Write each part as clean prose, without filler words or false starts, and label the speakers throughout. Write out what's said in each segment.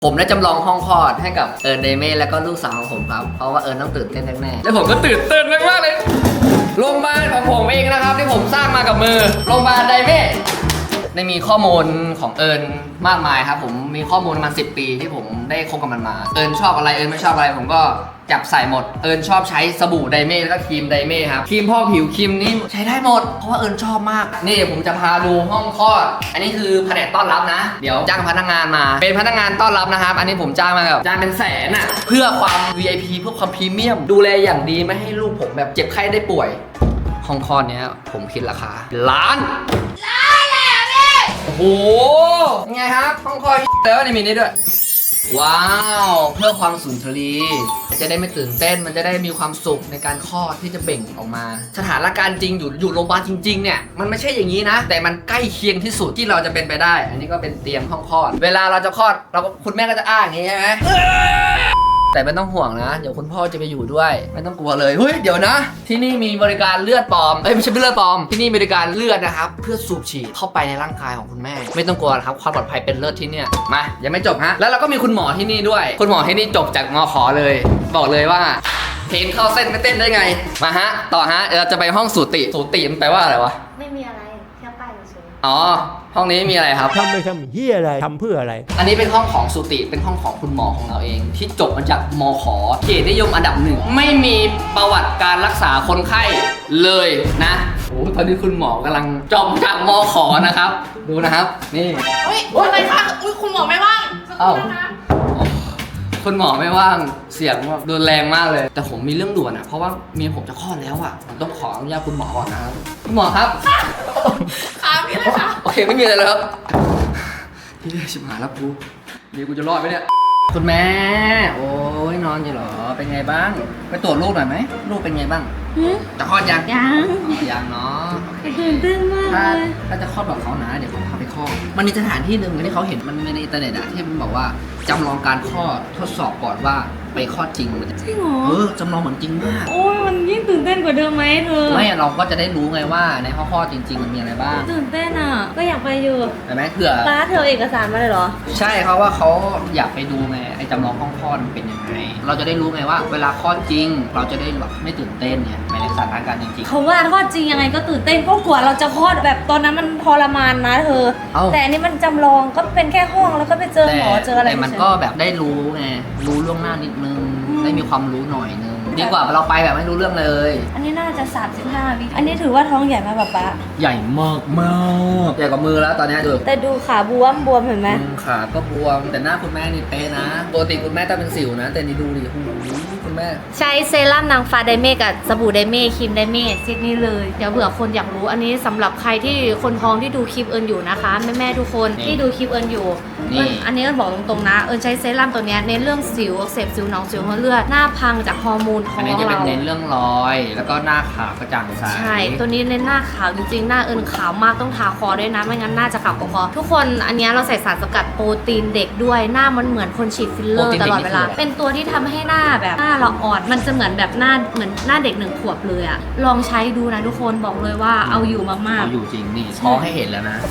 Speaker 1: ผมได้จำลองห้องคลอดให้กับเอิร์นเดเม่แล้วก็ลูกสาวของผมครับเพราะว่าเอิร์นต้องตื่นเต้นแน่ๆแล้วผมก็ตื่นเต้นมากๆเลยโรงพยาบาลของผมเองนะครับที่ผมสร้างมากับมือโรงพยาบาลไดเม่ได้มีข้อมูลของเอิร์นมากมายครับผมมีข้อมูลประมาณ10 ปีที่ผมได้คบกับมันมาเอิร์นชอบอะไรเอิร์นไม่ชอบอะไรผมก็จับใส่หมดเอิร์นชอบใช้สบู่ไดเม่แล้วก็ครีมไดเม่ครับครีมพอกผิวครีมนี้ใช้ได้หมดเพราะว่าเอิร์นชอบมากนี่ผมจะพาดูห้องคลอดอันนี้คือแผนกต้อนรับนะเดี๋ยวจ้างพนักงานมาเป็นพนักงานต้อนรับนะครับอันนี้ผมจ้างมาแบบจ้างเป็นแสนอ่ะเพื่อความ VIP เพื่อความพรีเมียมดูแลอย่างดีไม่ให้ลูกผมแบบเจ็บไข้ได้ป่วยห้องคลอดเนี้ยผมคิดราคาล้านโอ้โหยังไงครับห้องคลอดแล้วนี่มีนี่ด้วยว้าวเพื่อความสุนทรีจะได้ไม่ตื่นเต้นมันจะได้มีความสุขในการคลอดที่จะเบ่งออกมาสถานการณ์จริงอยู่โรงพยาบาลจริงๆเนี่ยมันไม่ใช่อย่างนี้นะแต่มันใกล้เคียงที่สุดที่เราจะเป็นไปได้อันนี้ก็เป็นเตียงห้องคลอดเวลาเราจะคลอดเราก็คุณแม่ก็จะอ้าอย่างนี้ใช่ไหมแต่ไม่ต้องห่วงนะเดี๋ยวคุณพ่อจะไปอยู่ด้วยไม่ต้องกลัวเลยเฮ้ยเดี๋ยวนะที่นี่มีบริการเลือดปลอมไม่ใช่เลือดปลอมที่นี่บริการเลือดนะครับเพื่อสูบฉีดเข้าไปในร่างกายของคุณแม่ไม่ต้องกลัวนะครับความปลอดภัยเป็นเลิศที่เนี่ยมายังไม่จบฮะแล้วเราก็มีคุณหมอที่นี่ด้วยคุณหมอที่นี่จบจากมข.เลยบอกเลยว่าเพลงเข้าเส้นไม่เต้นได้ไงมาฮะต่อฮะเราจะไปห้องสูติมันแปลว่าอะไรวะ
Speaker 2: ไม่มีอะไรแค่ป้ายเฉย
Speaker 1: อ๋อห้องนี้มีอะไรครับ
Speaker 3: ทำไปทำเฮียอะไรทำเพื่ออะไร
Speaker 1: อันนี้เป็นห้องของสูติเป็นห้องของคุณหมอของเราเองที่จบมาจากมข.เกียรตินิยมอันดับ 1ไม่มีประวัติการรักษาคนไข้เลยนะโอ้ตอนนี้คุณหมอกำลังจบจากมข.นะครับดูนะครับนี่
Speaker 2: เฮ้ยอะไรคะอุ้ยคุณหมอไม่ว่างสักครู่นะคะ
Speaker 1: คุณหมอไม่ว่างเสียงแบบรุนแรงมากเลยแต่ผมมีเรื่องด่วนอ่ะเพราะว่าเมียผมจะคลอดแล้วอ่ะผมต้องขออนุญาตคุณหมอก่อนนะครับคุณหมอครับ
Speaker 2: ค่ะพี่เลยค่ะ
Speaker 1: โอเคไม่มีอะไรแล้วครับพี่ชิบหายแล้วกูเดี๋ยวกูจะรอดไหมเนี่ยคุณแม่โอ้ยนอนอยู่เหรอเป็นไงบ้างไปตรวจลูกหน่อยไหมลูกเป็นไงบ้างจะคลอดยังยังเนาะ
Speaker 2: ตื่นเต้นมากเลย
Speaker 1: ถ้าจะคลอดแบบเขานะเดี๋ยวผมพาไปคลอดมันมีสถานที่หนึ่งที่เขาเห็นมันในอินเทอร์เน็ตอะที่มันบอกว่าจำลองการคลอดทดสอบก่อนว่าไปคลอดจริงมันจะ
Speaker 2: จริงเหรอ
Speaker 1: จำลองเหมือนจริงมาก
Speaker 2: โอ้ยมันยิ่งตื่นเต้นกว่าเดิมไหมเธอ
Speaker 1: ไม่เราก็จะได้รู้ไงว่าในห้องคลอดจริงๆมันมีอะไรบ้าง
Speaker 2: ตื่นเต้นอ่ะก็อยากไปอยู่
Speaker 1: เห็นไหมเผื่อ
Speaker 2: ป้าเธอเอกสารมาเลยเหรอ
Speaker 1: ใช่เขาว่าเขาอยากไปดูไงไอ้จำลองห้องคลอดมันเป็นยังไงเราจะได้รู้ไงว่าเวลาคลอดจริงเราจะได้แบบไม่ตื่นเต้นเนี่ยในสถานการณ์จริงๆ
Speaker 2: เขาว่าคลอดจริงยังไงก็ตื่นเต้นก็กลัวเราจะคลอดแบบตอนนั้นมันทรมานนะเธอแต่อันนี้มันจำลองก็เป็นแค่ห้องแล้วก็ไปเจอหมอเจออะไร
Speaker 1: แต่มันก็แบบได้รู้ไงรู้ล่วงหน้านิดนึงได้มีความรู้หน่อยนึงดีกว่าเราไปแบบไม่รู้เรื่องเลย
Speaker 2: อันนี้น่าจะ35 วิอันนี้ถือว่าท้องใหญ่ไหมป๊า
Speaker 1: ใหญ่มากมากใหญ่กว่ามือแล้วตอนนี้ดู
Speaker 2: แต่ดูขาบวมเห็นไหม
Speaker 1: ขาก็บวมแต่หน้าคุณแม่นี่เป๊ะนะปกติคุณแม่ต้องเป็นสิวนะแต่นี่ดูดิคุณแม่
Speaker 2: ใช้เซรั่มนางฟ้าไดเม่กับสบู่ไดเม่ครีมไดเม่เซตนี้เลยเดี๋ยวเผื่อคนอยากรู้อันนี้สำหรับใครที่คนท้องที่ดูคลิปเอิญอยู่นะคะแม่ทุกคนที่ดูคลิปเอิญอยู่อันนี้เอิญบอกตรงๆนะเอิญใช้เซรั่มตัวนี้เน้นเรื่องสิวอักเสบสิวหนองสิวหัวเลือดหน้าพังจากฮอร์โมนท้องเราอันนี้
Speaker 1: จะเป็นเน้นเรื่องรอยแล้วก็หน้าขาวกระจ่างใส
Speaker 2: ใช่ตัวนี้เน้นหน้าขาวจริงๆหน้าเอิญขาวมากต้องทาคอด้วยนะไม่งั้นหน้าจะขาวกว่าคอทุกคนอันนี้เราใส่สารสกัดโปรตีนเด็กด้วยหน้ามันเหมือนคนฉีดฟิลเลอร์ตลอดเวลาเป็นตัวที่ทำให้หน้าแบบหน้าเราอ่อนมันจะเหมือนแบบหน้าเหมือนหน้าเด็ก1 ขวบเลยอะลองใช้ดูนะทุกคนบอกเลยว่าเอาอยู่มากๆ
Speaker 1: เอาอยู่จริงนี่ท้องให้เห็นแล้วนะ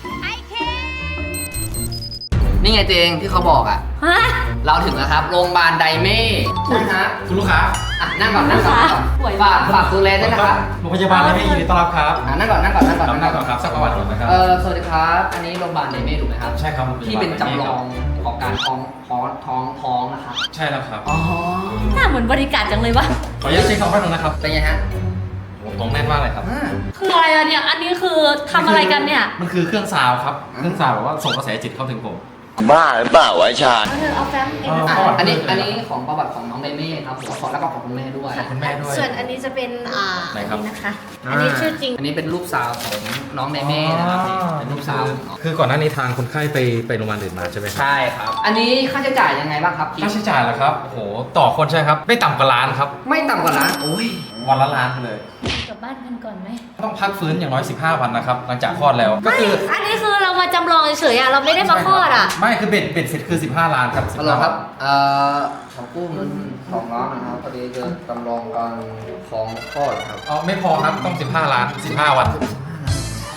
Speaker 1: นี่ไงเจงที่เขาบอกอ่ะเราถึงแล้วครับโรงพยาบาลไดเม่ใช่ฮะ
Speaker 4: คุณลูกค้า
Speaker 1: นั่งก่อนฝากดูแลด้วยนะครับ
Speaker 4: โรงพยาบาลไดเม่ยินดีต้อนรับครับ
Speaker 1: นั่งก่อน
Speaker 4: ครับสักประวัติก่อนนะครับ
Speaker 1: สวัสดีครับอันนี้โรงพยาบาลไดเม่ถูกไหมครับ
Speaker 4: ใช่ครับ
Speaker 1: ที่เป็นจำลองของการท้องนะครับ
Speaker 4: ใช่แล้วครับ
Speaker 1: อ๋อ
Speaker 2: หน้าเหมือนบริการจังเลยวะ
Speaker 4: ขออนุญาตเช็คคำแป๊บนึงนะครับ
Speaker 1: เป็นไงฮะ
Speaker 4: ตรงแน่นมากเลยครับ
Speaker 2: คืออะไรอะเนี่ยอันนี้คือทำอะไรกันเนี่ย
Speaker 4: มันคือเครื่องซาวครับเครื่องซาวแบบว่าส่งกระแสจิตเข้าถึงผม
Speaker 5: บ้าหรือเปล่าวะชา
Speaker 2: เอาแฟ้มเอง
Speaker 1: อันนี้ของประวัติของน้องไดเม่ครับผมขอแล้วก็ของคุณแม่ด้วย
Speaker 4: คุณแม่ด้วย
Speaker 2: ส่วนอันนี้จะเป็นนี่นะคะอันนี้ชื่อจริง
Speaker 1: อันนี้เป็นลูกสาวของน้องไดเม่นะครับเป็นลูกสาว
Speaker 4: คือก่อนหน้านี้ทางคนไข้ไปโรงพยาบาลอื่นมาใช่ไหม
Speaker 1: ใช่ครับอันนี้ค่าใช้จ่ายยังไงบ้างครับ
Speaker 4: ค่าใช้จ่ายเหรอครับโอ้โหต่อคนใช่ครับไม่ต่ำกว่าล้านครับ
Speaker 1: ไม่ต่ำกว่าล้านโอ้ย
Speaker 4: วันละล้านเลย
Speaker 2: กลับบ้านกันก่อนไหม
Speaker 4: ต้องพักฟื้นอย่างน้อย15 วันนะครับหลังจากคลอดแล้วก็คือ
Speaker 2: อันนี้คือเรามาจำลองเฉยๆเราไม่ได้มาคลอด
Speaker 4: ไม่คือเบ็ดเสร็จคือ15 ล้านครับ
Speaker 1: ฮัลโหลครับขอกู้เงิน2 ล้านนะครับพอดีจะจำลองการของคลอดครับ
Speaker 4: ไม่พอครับต้อง15 ล้าน15 วันใช่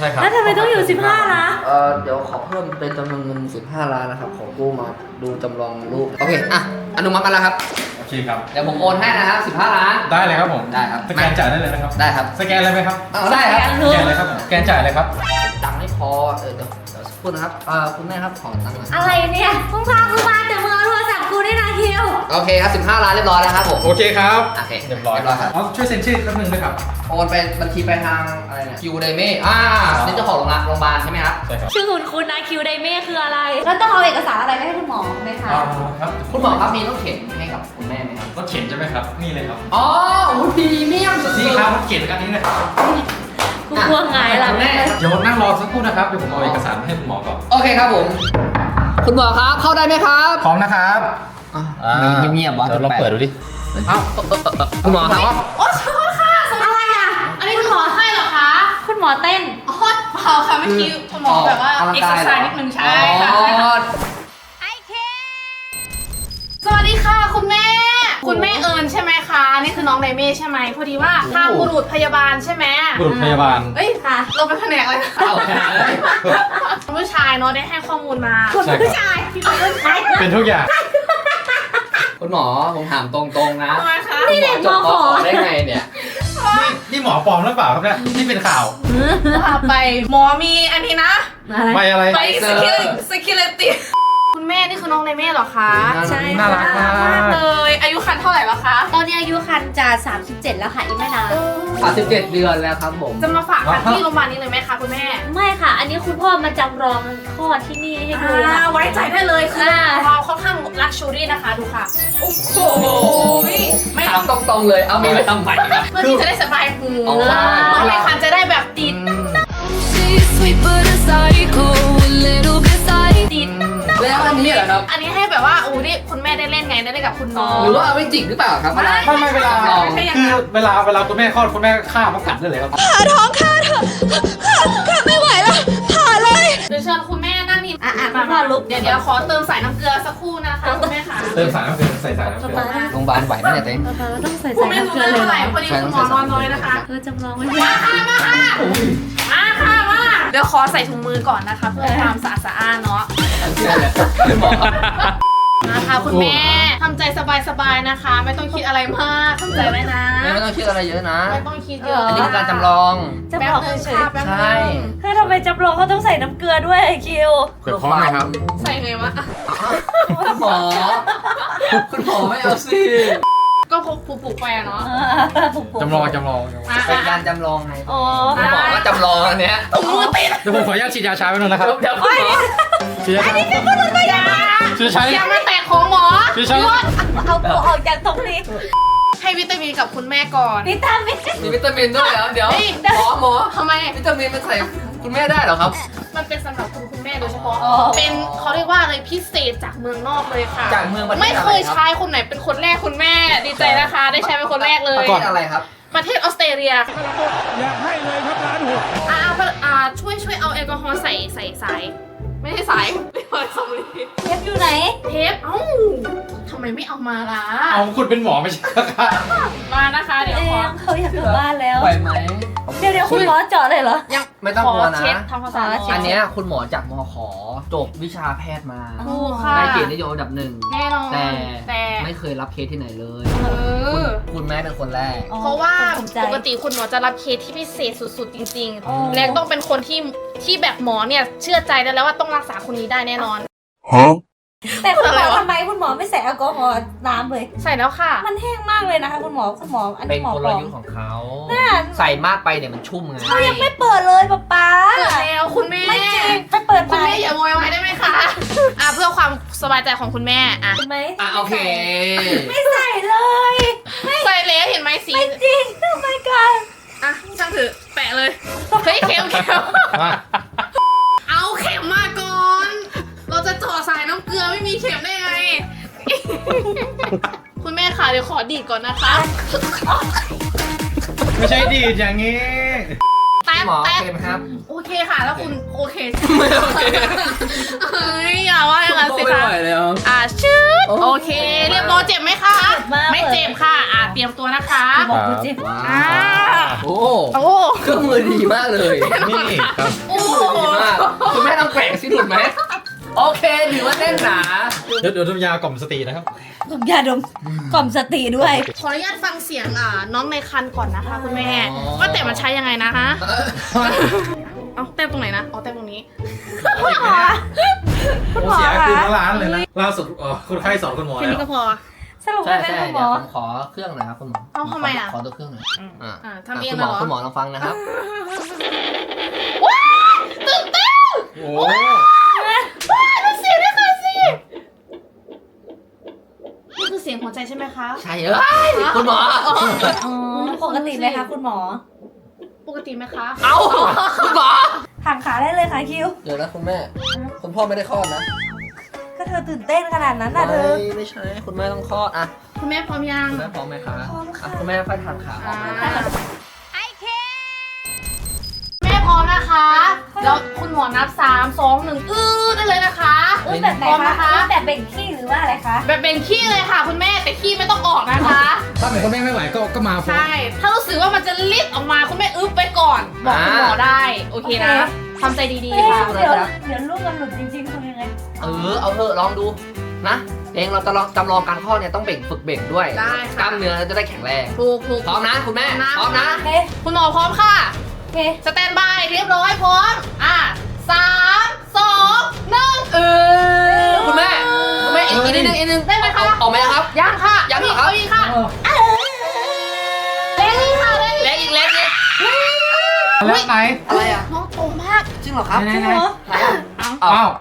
Speaker 4: ช่ครับ
Speaker 2: แล้วทำไมต้องอยู่ 15 ล้าน
Speaker 1: เดี๋ยวขอเพิ่มเป็นจำนวนเงิน15 ล้านนะครับ ขอกู้มาดูจำลองรูป โอเค อ่ะ อนุมัติมาแล้วครับ
Speaker 4: โอเคครับ
Speaker 1: เดี๋ยวผมโอนให้นะครับ15 ล้าน
Speaker 4: ได้เลยครับผม
Speaker 1: ได้ครับ
Speaker 4: สแกนจ่ายได้เลยนะครับ
Speaker 1: ได้ครับ
Speaker 4: สแกนเลยไหมครับ
Speaker 1: เอาได้ครับ
Speaker 4: สแกนเลยครับผมสแกนจ่ายเลยครับ
Speaker 1: ตังค์ไม่พอ เดี๋ยวสักครู่นะครับ คุณแม่ครับขอตังค์หน่อย
Speaker 2: อะไรเนี่ยมึงพากูมาแต่มึงเอาโทรศัพท์กูได้นะคิว
Speaker 1: โอเคครับ15 ล้านเรียบร้อยแล้วครับผม
Speaker 4: โอเคครับ
Speaker 1: โอเค
Speaker 4: เรียบร้อย
Speaker 1: ครับ
Speaker 4: เอาช่วยเซ็นชื่อแป๊บนึงด้วยครับ
Speaker 1: โอนไปบัญชีไปทางอะไรเนี่ยคิวไดเม่นี่เจ้าของโรงพยาบาลใช่ไหมครับ
Speaker 4: ใช่ครับ
Speaker 2: ชื่อคุณนะคิวไดเม่คืออะไร แล้วต้องเอาเอกสารอะไรไปให้คุณหมอไหมคะ
Speaker 4: ครับ
Speaker 1: คุณหมอครับมีต้องเข็นให้กับคุณแม่ไหมครับ
Speaker 4: รถเข็นใช่ไหมครับ นี่เลยครับ
Speaker 1: อ๋อพรีเมียมสุดๆ
Speaker 4: นี่ครับรถเข็นกันนี้นะครับ
Speaker 2: กูกลัวไงล่ะ
Speaker 1: คุณแม่
Speaker 4: เดี๋ยวนั่งรอสักครู่นะครับ เดี๋ยวผมเอาเอกสารให้คุณหมอก่อน
Speaker 1: โอเคครับผม คุณหมอครับเข้าได้ไหมครับ
Speaker 4: พร้อมนะครับ
Speaker 1: เงียบๆวะ
Speaker 4: เดี๋ยวลองเปิดดูดิ
Speaker 1: เอ้าคุณหมอครับ
Speaker 2: โอ้ขอโทษค่ะอะไรอ่ะ อันนี้คุณหมอให้เหรอคะ คุณหมอเต้น
Speaker 6: อ๋อเปล่าค่ะเมื่อกี้คุณหมอแบบว่าเอ็กซ์ไซส์นิดนึงใช่ค่ะ
Speaker 1: อ๋อ
Speaker 6: สวัสดีค่ะคุณแม่ คุณแม่เอิญใช่ไหมคะนี่คือน้องไดเม่ใช่ไหมพอดีว่าทางบุรุษพยาบาลใช่ไหม
Speaker 4: บุรุษพยาบาล
Speaker 6: เอ้ยค่ะเราเป็นแผนกอะไรนะ
Speaker 1: เอาแค่นั้นเลย
Speaker 6: ผู้ชายเนาะได้ให้ข้อมูลมา
Speaker 4: ใช่ครับ
Speaker 6: ผู้ชายที่เป็นผู้ชาย
Speaker 4: เป็นทุกอย่าง
Speaker 1: คุณหมอผมถามตรงๆนะ
Speaker 6: ทำไมคะ
Speaker 1: นี่เด็กมขอได้ไงเนี่ย
Speaker 4: นี่หมอปลอมหรือเปล่าครับเนี่ยที่เป็นข่าว
Speaker 6: ว่าไปหมอมีอันนี้นะ
Speaker 4: ไม่อะไร
Speaker 6: ไปsecurity คุณแม่นี่คือน้องไดเม่เหรอคะ
Speaker 1: ใช่
Speaker 4: น่ารักมาก
Speaker 6: เลยอายุคันเท่าไหร่แล้วคะ
Speaker 2: ตอนนี้อายุคันจะ37 แล้วค่ะอีกไม่นาน
Speaker 1: 37 เดือนแล้วครับผม
Speaker 6: จะมาฝากคันที่โรงพยาบาลนี้เลยไหมคะคุณแม่
Speaker 2: ไม่ค่ะ อันนี้คุณพ่อมาจำลองคลอดที่นี่ให้ดูค่ะ
Speaker 6: ไว้ใจได้เลยคือเราค่อนข้างลักชูรี่นะคะดูค่ะ โอ้โหไม่
Speaker 1: ถามตรงๆเลย เอามีไปทำใหม่ครับ
Speaker 6: เพื่อที่จะได้สบายหู
Speaker 1: อ๋อ
Speaker 6: น้องในคันจะได้แบบติด
Speaker 7: She's sweet but a psycho, a little bit psycho.
Speaker 6: ติด
Speaker 1: แล้วอันนี้เหรอครับ
Speaker 6: อันนี้ให้แบบว่าอู้นี่คุณแม่ได้เล่นไงได้เล่นกับคุณน้อง
Speaker 1: หรือว่าเอาไว้จิกหรือเปล่าครับ
Speaker 4: ไม่เวลา คือเวลาคุณแม่คลอดคุณแม่ฆ่ามากัดได้เลยครับ
Speaker 6: เดี๋ยวเชิญคุณแม่นั่งนี่
Speaker 2: คุณพ่อลุก
Speaker 6: เดี๋ยวขอเติมสายน้ำเกลือสักครู่นะคะคุณแม่ค่ะ
Speaker 4: เติมสารน้ำเกลือใส่สารน้ำเกลือ
Speaker 1: โรงพยาบาลไหวไหมเนี่ยเต้ง
Speaker 2: เราต้องใส่
Speaker 6: คุณ
Speaker 2: ใส่
Speaker 6: แม่
Speaker 2: น้ำ
Speaker 6: รู้
Speaker 2: เกลือ
Speaker 6: เรื่อง
Speaker 2: เลย
Speaker 6: เท่า
Speaker 2: เหรอ
Speaker 6: ไหร่พอดีคุณหมอนอนน้อยนะคะ
Speaker 2: จำลองไว้
Speaker 6: มาค่ะเดี๋ยวขอใส่ถุงมือก่อนนะคะเพื่อความสะอาดสะอ้านเนาะ
Speaker 1: หมอ
Speaker 6: มาค่ะคุณแม่ทำใจสบายๆนะคะ ไม่ต้องคิดอะไรมากทำใจไว้นะ
Speaker 1: ไม่ต้องคิดอะไรเยอะนะ
Speaker 6: ไม่ต้องคิดเยอะ
Speaker 1: อันนี้คือการจำลอง
Speaker 2: จำ
Speaker 6: แป๊
Speaker 2: ล
Speaker 6: บ
Speaker 2: อง
Speaker 6: นึง
Speaker 2: เฉย
Speaker 6: ค่ะแป๊บ
Speaker 1: ใช่
Speaker 6: นึง
Speaker 2: ๆคือทำไมจำลองเขาต้องใส่น้ำเกลือด้วยไอคิว
Speaker 4: เปิดพร้อมไหมครับ
Speaker 6: ใส่ไงวะ
Speaker 1: คุณหมอ คุณหมอไม่เอาสิ
Speaker 6: ก็พกผูกไปอะเนาะ
Speaker 4: จำลอง
Speaker 1: เป็นการจำลองไง
Speaker 2: โอ้
Speaker 1: คุณหมอก็จำลองอันเนี้ย
Speaker 6: ถุงมือติด
Speaker 4: เดี๋ยวผมขออนุญาตฉีดยาชาไปหน่อยนะครับ
Speaker 1: เดี๋ยวคุณหมอ
Speaker 4: ฉีดยาชาฉีดใช้
Speaker 6: อย่ามาแตะของหมอ
Speaker 4: ฉีดใช้
Speaker 2: เอาตัวออกจากตรงนี้
Speaker 6: ให้วิตามินกับคุณแม่ก่อน
Speaker 2: วิตามิน
Speaker 1: มีวิตามินด้วยเหรอเดี๋ยว
Speaker 6: เฮ้ย
Speaker 1: หมอ
Speaker 6: ทำไม
Speaker 1: วิตามินมันใส่คุณแม่ได้เหรอครับ
Speaker 6: มันเป็นสำหรับคุณแม่โดยเฉพาะ เป็นเขาเรียกว่าอะไรพิเศษจากเมืองนอกเลยค่ะ
Speaker 1: จากเมืองประเทศ
Speaker 6: ไม่เคย
Speaker 1: อะไรครับ
Speaker 6: ใช้คนไหนเป็นคนแรกคุณแม่ ดีใจนะคะ ได้ใช้เป็นคนแรกเล
Speaker 1: ประ
Speaker 6: ย
Speaker 1: เทศอะไรครับ
Speaker 6: ประเทศออสเตรเลีย
Speaker 3: อยากให้เลยครับร้านหัว
Speaker 6: ช่วยเอาแอลกอฮอล์ใส่สายไม่ใช่สายเรียกว่าสำลี
Speaker 2: เทปอยู่ไหน
Speaker 6: เทปเอ้าทำไมไม่เอามาล่ะ
Speaker 4: เอาคุณเป็นหมอไม่ใช่ครับ
Speaker 6: มานะคะเดี๋ยวขอ
Speaker 2: เขาอยากกลับบ้านแล้ว
Speaker 1: ไหวไหม
Speaker 2: เดี๋ยวคุณหมอเจาะเลยเหรอ
Speaker 6: ยัง
Speaker 1: ไม่ต้อง
Speaker 6: ขอก
Speaker 1: ลัวนะ
Speaker 6: เช็ดทำความสะอาด
Speaker 1: อันเนี้ยคุณหมอจากมขจบวิชาแพทย์มา
Speaker 6: ถูกค่ะ
Speaker 1: ได้เกียรตินิยมอันดับหนึ่ง
Speaker 6: แน่นอน
Speaker 1: แต่
Speaker 6: แต่
Speaker 1: ไม่เคยรับเคสที่ไหนเลย
Speaker 6: เออ
Speaker 1: คุณแม่เป็นคนแรก
Speaker 6: เพราะว่า
Speaker 2: ภูมิใจ
Speaker 6: ปกติคุณหมอจะรับเคสที่พิเศษสุดๆ จริง
Speaker 2: อ๋อ
Speaker 6: ๆ และต้องเป็นคนที่แบบหมอเนี่ยเชื่อใจได้แล้วว่าต้องรักษาคนนี้ได้แน่นอน
Speaker 2: แต่คุณหม
Speaker 6: อะไร
Speaker 2: อ
Speaker 6: วะ
Speaker 2: ทำไมคุณหมอไม่ใส่แอลกอฮอล์น้ำเลย
Speaker 6: ใส่แล้วค่ะ
Speaker 2: มันแห้งมากเลยนะคะคุณหมออัน
Speaker 1: เป็
Speaker 2: นี้
Speaker 1: น
Speaker 2: หมอก
Speaker 1: ล
Speaker 2: ปลอม
Speaker 1: ยุทธ์ของเขา
Speaker 2: น่า
Speaker 1: ใส่มากไปเนี่ยมันชุ่มไง
Speaker 2: เขายังไม่เปิดเลยป๊า
Speaker 6: เปิดแล้วคุณแม่
Speaker 2: ไม่จริงไปเปิด
Speaker 6: คุณ
Speaker 2: ไป
Speaker 6: แม่อย่าโวยวายได้ไหมคะเพื่อความสบายใจของคุณแม่อ่ะ
Speaker 2: เห็นไหม
Speaker 1: โอเค
Speaker 2: ไม่ใส่เลย
Speaker 6: ใส่แล้วเห็นไหมสี
Speaker 2: ไม่จริงทำไมกัน
Speaker 6: อ่ะช่างถือแปะเลยเฮ้ยเข็ม
Speaker 4: มา
Speaker 6: เอาเข็มมาก่อน เราจะเจาะสายน้ำเกลือไม่มีเข็มได้ไง คุณแม่ค่ะเดี๋ยวขอดีดก่อนนะคะ
Speaker 4: ไม่ใช่ดีดอย่างนี้
Speaker 6: แป๊บ
Speaker 1: หมอโอ
Speaker 6: แป๊บ
Speaker 1: เคไหมครับ
Speaker 6: โอเคค่ะ แล้วคุณโอเค
Speaker 1: ไม่โอเค
Speaker 6: เฮ้ยอย่าว่าอย่างนั้นสิ
Speaker 1: ไม่
Speaker 6: คะ
Speaker 1: ไหวแล้ว
Speaker 6: ชืดโอเค เรียบร้อยเจ็บไหมคะ ไม่เจ็บค่ะเตรียมตัวนะคะ
Speaker 2: บอกดูเจ็บ
Speaker 1: ว้า
Speaker 6: อ่าว
Speaker 1: โอ้
Speaker 6: โอ้
Speaker 1: เครื่องมือดีมากเลย
Speaker 4: นี่ครับ
Speaker 6: โอ้
Speaker 1: ดีมากคุณแม่ต้องแกว่งสิถูกไหมโอเคถือว่าแน่นหนา
Speaker 4: เดี๋ยวทุมยากล่อมสตรีนะครับ
Speaker 2: กล่อมยาดมกล่อมสติด้วย
Speaker 6: ขออนุญาตฟังเสียงน้องในคันก่อนนะคะคุณแม่ว่าแต่มันใช้ยังไงนะคะเอาแต้มตรงไหนนะอ๋อแต้มตรงนี้
Speaker 4: โอ้เสียคืนทั้งร้านเลยนะล่าสุดคนไข้สอนคุณหมอ
Speaker 6: แค่
Speaker 4: แล้ว
Speaker 6: นี้ก็พอ
Speaker 2: สรุป
Speaker 1: ใช่
Speaker 2: ว่าเป็น
Speaker 1: ใช่
Speaker 2: คุณหม
Speaker 1: เดี๋ยว
Speaker 2: อ
Speaker 1: ผมขอเครื่องหน่อยครับคุณหมอ
Speaker 6: เอาทำไมอ่ะ
Speaker 1: ขอตัวเครื่องหน่อย
Speaker 6: ทำเอง
Speaker 1: คุณ
Speaker 6: เห
Speaker 1: ห
Speaker 6: ร
Speaker 1: มอ
Speaker 6: อ
Speaker 1: คุณหมอลองฟังนะครับ
Speaker 6: ตื่นเต้น
Speaker 4: โอ้
Speaker 6: ดูเสียงด้วยค่ะสินี่คือเสียงหัวใจใช่ไหมคะ
Speaker 1: ใช่เอ้ยคุณหมอ
Speaker 2: ปกติไหมคะคุณหมอ
Speaker 6: ปกติไหมคะ
Speaker 1: เอาคุณหมอ
Speaker 2: หักขาได้เลยค่ะคิว
Speaker 1: เดี๋ยวนะคุณแม่คุณพ่อไม่ได้คลอดนะ
Speaker 2: ก็เธอตื่นเต้นขนาดนั้นน่ะเธอ
Speaker 1: ไม่ใช่คุณแม่ต้องคลอดอ่ะ
Speaker 6: คุณแม่พร้อมยัง
Speaker 1: คุณแม่พร้อมไหมคะ
Speaker 2: พร้อมค่ะ
Speaker 1: คุณแม่ค่อยทานขาออกมา
Speaker 6: แม่พร้อมนะคะ แล้วคุณหมอนับ3 2 1ได้เลยนะคะ
Speaker 2: แบบไหน
Speaker 6: พร้อม
Speaker 2: คะ
Speaker 6: นะคะ
Speaker 2: แบบเบ่งขี้หรือว่าอะไรคะ
Speaker 6: แบบเป็นขี้เลยค่ะ คุณแม่แต่ขี้ไม่ต้องออกนะคะ
Speaker 4: ถ้าเป็นคุณแม่ไม่ไหวก็มาฟ้อง
Speaker 6: ใช่ ถ้ารู้สึกว่ามันจะลิดออกมาคุณแม่อึ๊บไปก่อน บอกคุณหมอได้ โอเคนะทำใจดีๆค่ะ
Speaker 2: เดี๋ยวลูกมันหลุดจริงๆทำยังไง
Speaker 1: เอาเถอะลองดูนะเองเราจะลองจำลองการคลอดเนี่ยต้องเบ่งฝึกเบ่งด้วย
Speaker 6: ได้
Speaker 1: ก
Speaker 6: ค่ะ
Speaker 1: ล้ามเนื้อจะได้แข็งแรง
Speaker 6: ถูก
Speaker 1: พร้อมนะคุณแม่พร้อมนะ
Speaker 2: โอเค
Speaker 6: คุณหมอพร้อมค่ะ
Speaker 2: โอเค
Speaker 6: สแตนบายเรียบร้อยพร้อม3 2 1
Speaker 1: คุณแม่อีกนิดนึง
Speaker 6: ได้ไหมคะ
Speaker 1: ออกไหมครับ
Speaker 6: ยังค่ะ
Speaker 1: ยังเหรอครับ
Speaker 6: เอาอีกค่ะเล่นอีกค่ะเล่น
Speaker 1: เล็กอีก
Speaker 4: แล้วไหน
Speaker 1: อะไรอ่ะ
Speaker 6: น้องโตมาก
Speaker 1: จริงเหรอครับ
Speaker 4: ไหน
Speaker 2: จริงเหรอ
Speaker 1: ไหนอ่ะ
Speaker 4: อ้าว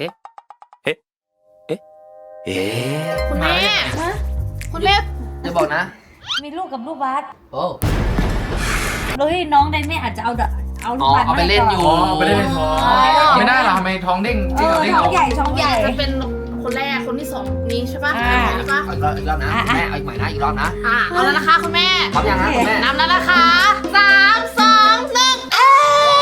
Speaker 6: คุณแม่คุณแม่
Speaker 1: อย่าบอกนะ
Speaker 2: มีลูกกับลูกบาส
Speaker 1: โอ้
Speaker 2: เลยน้องไดเม่อาจจะเอาลูกบาส
Speaker 1: เอาไปเล่นอยู่
Speaker 4: ไม่ได้เป็นท้องไม่ได้หรอทำไมท้องเด้ง
Speaker 2: เออ
Speaker 4: เด้ง
Speaker 2: ท้องใหญ่ท้องใหญ่
Speaker 6: จะเป็นคนแรกคนที่2นี้ใช่ปะใช่ปะ
Speaker 1: เอาอีกรอบนะคุณแม่เอาอีกใหม่นะอีกรอบนะ
Speaker 6: เอาแล้วนะคะคุณแม่
Speaker 1: พร้อมยังนะคุณแม่
Speaker 6: นับแล้วนะคะ3 2 1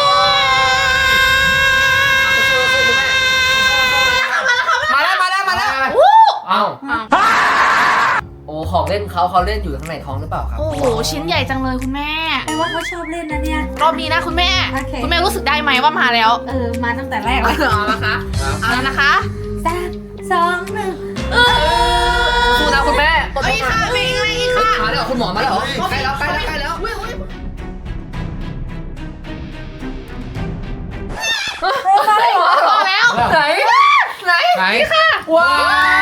Speaker 1: มาแล้ว
Speaker 4: อ้าว
Speaker 1: โอ้ของเล่นเขาเล่นอยู่ข้างในท้องหรือเปล่าครับ
Speaker 6: โอ้โหชิ้นใหญ่จังเลยคุณแม่
Speaker 2: แปลว่าเขาชอบเล่นนะเนี่ย
Speaker 6: รอบนี้นะคุณแม่
Speaker 2: โอเค
Speaker 6: คุณแม่รู้สึกได้ไหมว่ามาแล้ว
Speaker 2: มาตั้งแต่แรกแล้ว
Speaker 6: เอาละคะเอาแล้วนะคะ
Speaker 2: 3 2 1
Speaker 1: สู้นะคุณแม่
Speaker 6: เอาอีกค่ะมีอีกค่ะ
Speaker 1: มาแล้วคุณหมอมาแล้วเหรอใกล้แล้ว
Speaker 6: พร้อมแล้ว
Speaker 1: ไหน
Speaker 4: ไหน
Speaker 1: ว้าว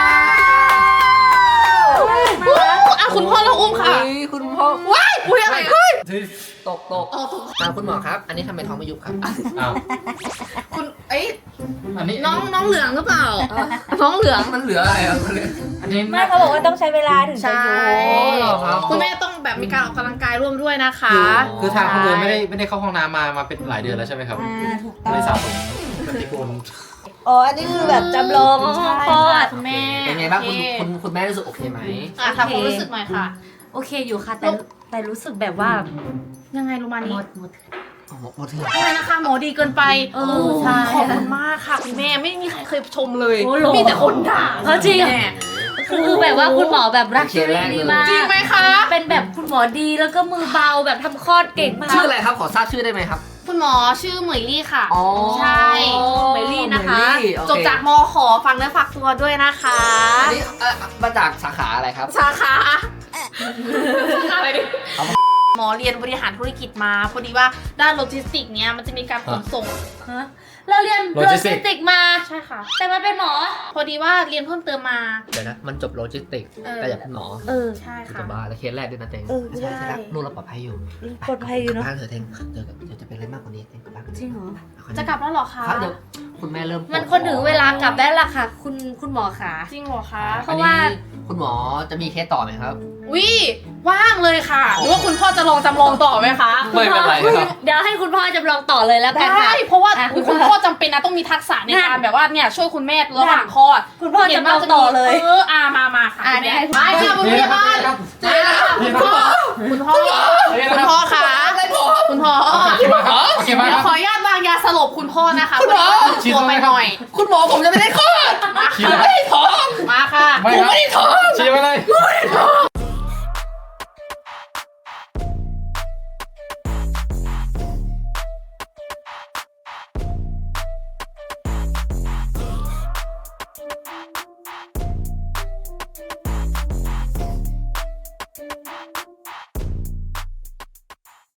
Speaker 6: คุณพ่อเราอุ้มค่ะ
Speaker 1: คุณพ่อ
Speaker 6: ว้ายอุ้ยอะไรเฮ้ย
Speaker 1: ตกคุณหมอครับ อันนี้ทำไมท้องไม่ยุบครับ
Speaker 4: อ้าว
Speaker 6: คุณ
Speaker 4: อันนี้
Speaker 6: น้องเหลืองหรือเปล่า น้องเหลือง
Speaker 1: มันเหลืออะไรอ่ะ
Speaker 4: อันนี้
Speaker 2: ไม่เขาบอกว่าต้องใช้เวลาถึงจะ
Speaker 6: ใช่
Speaker 2: อยู่
Speaker 6: คุณแม่ต้องแบบมีการออกกำลังกายร่วมด้วยนะคะ
Speaker 4: คือทางคนเดินไม่ได้เข้าห้องน้ำมาเป็นหลายเดือนแล้วใช่ไหมครับ
Speaker 2: ถูกต้อง
Speaker 4: เลยสะสมปฏิกูล
Speaker 2: อ๋ออันนี้คือแบบจำลองห้องคลอด
Speaker 6: คุณแม่
Speaker 1: เป็นไงบ้างคุณแม่รู้สึกโอเคไหม
Speaker 6: ทำความรู้สึกหน่อยค่ะ
Speaker 2: โอเคอยู่ค่ะแต่รู้สึกแบบว่า
Speaker 6: ยังไงรู้มา
Speaker 2: หม
Speaker 6: นี้
Speaker 2: ด
Speaker 1: หมดเถื่อน
Speaker 6: ใช่นะคะหมอดีเกินไป
Speaker 2: ใช่
Speaker 6: ขอบคุณมากค่ะคุณแม่ไม่มีใครเคยชมเลย
Speaker 2: โอ้โห
Speaker 6: มีแต่คนด่า
Speaker 2: จริงคือแบบว่าคุณหมอแบบรักชีวิตดีมาก
Speaker 6: จริงไหมคะ
Speaker 2: เป็นแบบคุณหมอดีแล้วก็มือเบาแบบทำคลอดเก่งมาก
Speaker 1: ชื่ออะไรครับขอทราบชื่อได้ไหมครับ
Speaker 6: คุณหมอชื่อเหมยลี่ค่ะ
Speaker 1: อ๋อ
Speaker 6: ใช่
Speaker 2: เมลี่นะคะ
Speaker 1: เมลี่โอเค
Speaker 6: จบจากมขอฟังเนื้อฝากตัวด้วยนะคะ
Speaker 1: อันนี้มาจากสาขาอะไรครับ
Speaker 6: สาขาอะไรดิหมอเรียนบริหารธุรกิจมาพอดีว่าด้านโลจิสติกเนี้ยมันจะมีการขนส่ง
Speaker 2: ฮะเราเรียนโลจิสติกมา
Speaker 6: ใช่ค่ะ
Speaker 2: แต่มาเป็นหมอ
Speaker 6: พอดีว่าเรียนเพิ่มเติมมา
Speaker 1: เดี๋ยวนะมันจบโลจิสติกส์
Speaker 6: เออ
Speaker 1: แต่อยากเป็นหมอ
Speaker 6: ใช่
Speaker 1: คือ
Speaker 6: ค่ะ
Speaker 1: จะบ้าแล้วเคสแรกด้วยนะเต็ง
Speaker 6: ใช่
Speaker 1: นู่นเราปลอดภัยอยู่
Speaker 2: ปลอดภัยอยู่เนอะ
Speaker 1: บ้านเถอะเต็งเดี๋ยวจะเป็นอะไรมากกว่านี้เต็งกลับบ้าน
Speaker 2: จริงเหรอ
Speaker 6: จะกลับแล้วเหรอคะ
Speaker 1: ครับเดี๋ยวคุณแม่เริ่มปวด
Speaker 2: มันคนถึงเวลากลับได้ละค่ะ คุณหมอขา
Speaker 6: จริงเหรอคะ
Speaker 2: เพราะว่า
Speaker 1: อันนี้คุณหมอจะมีเคสต่อไหมครับ
Speaker 6: วิว่างเลยค่ะหรือว่าคุณพ่อจะลองจำลองต่อไหมคะ
Speaker 1: ไม่เป็นไรครับ
Speaker 2: เดี๋ยวให้คุณพ่อจำลองต่อเลยแล้วกัน
Speaker 6: ได้
Speaker 2: ค่ะ
Speaker 6: เพราะว่า
Speaker 2: อ่ะ
Speaker 6: คุณพ่อจำเป็นนะต้องมีทักษะในการแบบว่าเนี่ยช่วยคุณแม่ระหว่างคลอด
Speaker 2: คุณพ่อจำลองต่อเลย
Speaker 6: มาค่ะ
Speaker 2: อ่ะ
Speaker 6: คุณ
Speaker 2: เดี๋ยว
Speaker 6: แม่
Speaker 2: ให้
Speaker 6: ไปค่ะคุณพยาบาลเจอแล้วค่ะคุณพ่อคุณพ่อค่ะคุณคุณพ่อ
Speaker 4: โอเคมาครับโอเคมา
Speaker 6: เดี๋
Speaker 4: ค
Speaker 6: ยว
Speaker 4: รับ
Speaker 6: ขออนุญาตวางยาสลบคุณพ่อนะคะ
Speaker 1: คุณหมอ
Speaker 4: ฉีด
Speaker 6: ตัว
Speaker 4: ตรงไห
Speaker 6: ไป
Speaker 4: น
Speaker 6: หน่อย
Speaker 1: คุณหมอผมจะไม่ได้คลอด
Speaker 6: มา
Speaker 4: ฉีด
Speaker 6: ค่ะ
Speaker 4: อะไร
Speaker 1: ไม่ได้ท้อง
Speaker 6: มาค่ะ
Speaker 4: ไม่
Speaker 1: ผม
Speaker 4: ครับ
Speaker 1: ไม่ได้ท้อง
Speaker 4: ฉีดไปเลย
Speaker 1: ไม่